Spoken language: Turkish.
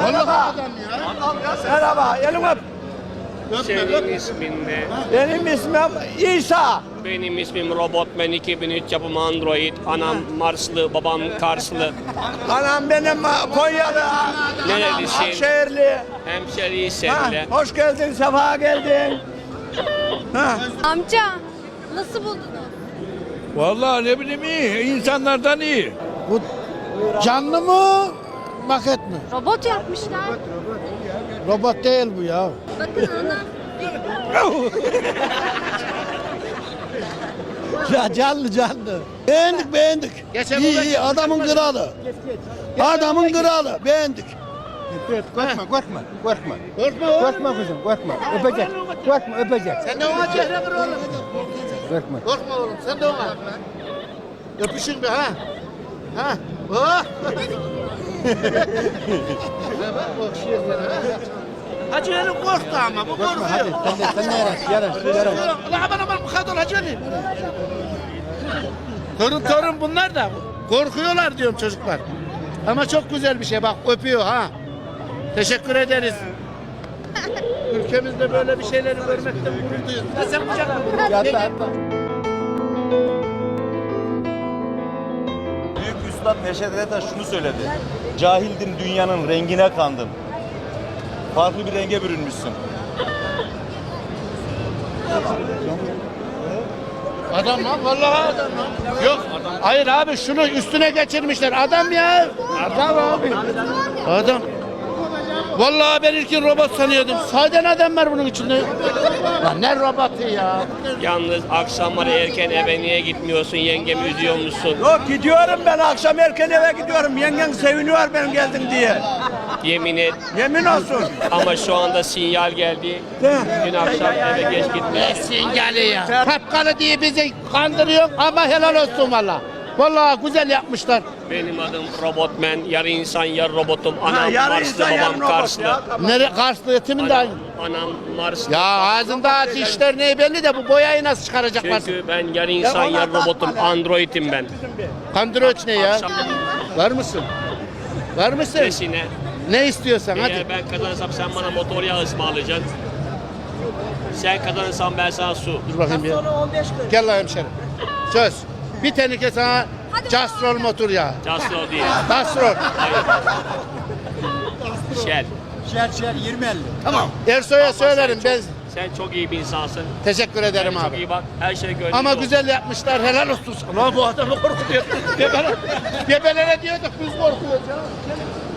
Merhaba. Merhaba. Elini öp. Senin ismin ne? Benim ismim İsa. Benim ismim Robotman 2003 yapımı Android. Anam Marslı, babam Karslı. Anam benim Konyalı. Nerelisin? Akşehirli. Hemşeriyi Ha, seninle. hoş geldin, sefa geldin. Ha. Amca nasıl buldunuz? Vallahi ne bileyim iyi. İnsanlardan iyi. Bu canlı mı, maket mi? Robot yapmışlar. Robot değil bu ya. Bakın ana. Ya canlı canlı. Beğendik beğendik. İyi iyi adamın kralı. Adamın kralı beğendik. Korkma, korkma, korkma. Korkma kızım, korkma. Öpecek. Korkma, öpecek. Sen de ona çehre kır oğlum. Korkma. Korkma oğlum sen de ona. Öpüşün bir ha. Ha. Oh. Hacı Ali korktu ama bu korkuyor. Hadi sen de yaraş. Ulan aman bu kadar Hacı Ali. Torun bunlar da korkuyorlar diyorum çocuklar. Ama çok güzel bir şey bak öpüyor ha. Teşekkür ederiz. Ülkemizde böyle bir şeyleri görmekten gurur duyuyoruz. Ya sen kucakla. Büyük Üstad Neşet Ertaş şunu söyledi. Cahildin dünyanın rengine kandın. Farklı bir renge bürünmüşsün. Adam lan vallahi adam lan. Yok. Hayır abi şunu üstüne geçirmişler. Adam ya. Adam abi. Adam. Vallahi ben ilkin robot sanıyordum. Sahiden adam var bunun içinde. Lan ne robotu ya? Yalnız akşamları erken eve niye gitmiyorsun? Yengemi üzüyor musun? Yok gidiyorum ben akşam erken eve gidiyorum. Yengen seviniyor ben geldim diye. Yemin et. Yemin olsun. Ama şu anda sinyal geldi. Dün akşam eve geç gitmiş. Sinyali ya. Kapkalı diye bizi kandırıyor ama helal olsun valla. Vallahi güzel yapmışlar. Benim adım Robotman. Yarı insan yarı robotum. Anam yarı Marslı, insan, yarı babam robot Karslı. ya, tamam. Nere Karslı yetimin de aynı. Anam Marslı. Ya ağzında dişler ne belli de bu boyayı nasıl çıkaracaklar? Çünkü ben yarı insan yarı robotum. Android'im ben. Kandırıyorç ne ya? Akşam Var mısın? Var mısın? peşine. Ne istiyorsan hadi. Eğer ben kazanırsam sen bana motor yağı ısmarlayacaksın. Sen kazanırsan ben sana su. Dur bakayım bir. Gel lan hemşerim. Söz. Bir teneke sana Castrol motor ya. Castro değil. Castrol. Shell. Ersoy'a söylerim ben. Sen çok iyi bir insansın. Teşekkür ederim Çok abi. iyi bak. Her şey gönlünde Ama olsun. güzel yapmışlar. Helal olsun. Lan bu adamı korkutuyor. Gebelere diyorduk biz korkuyoruz ya.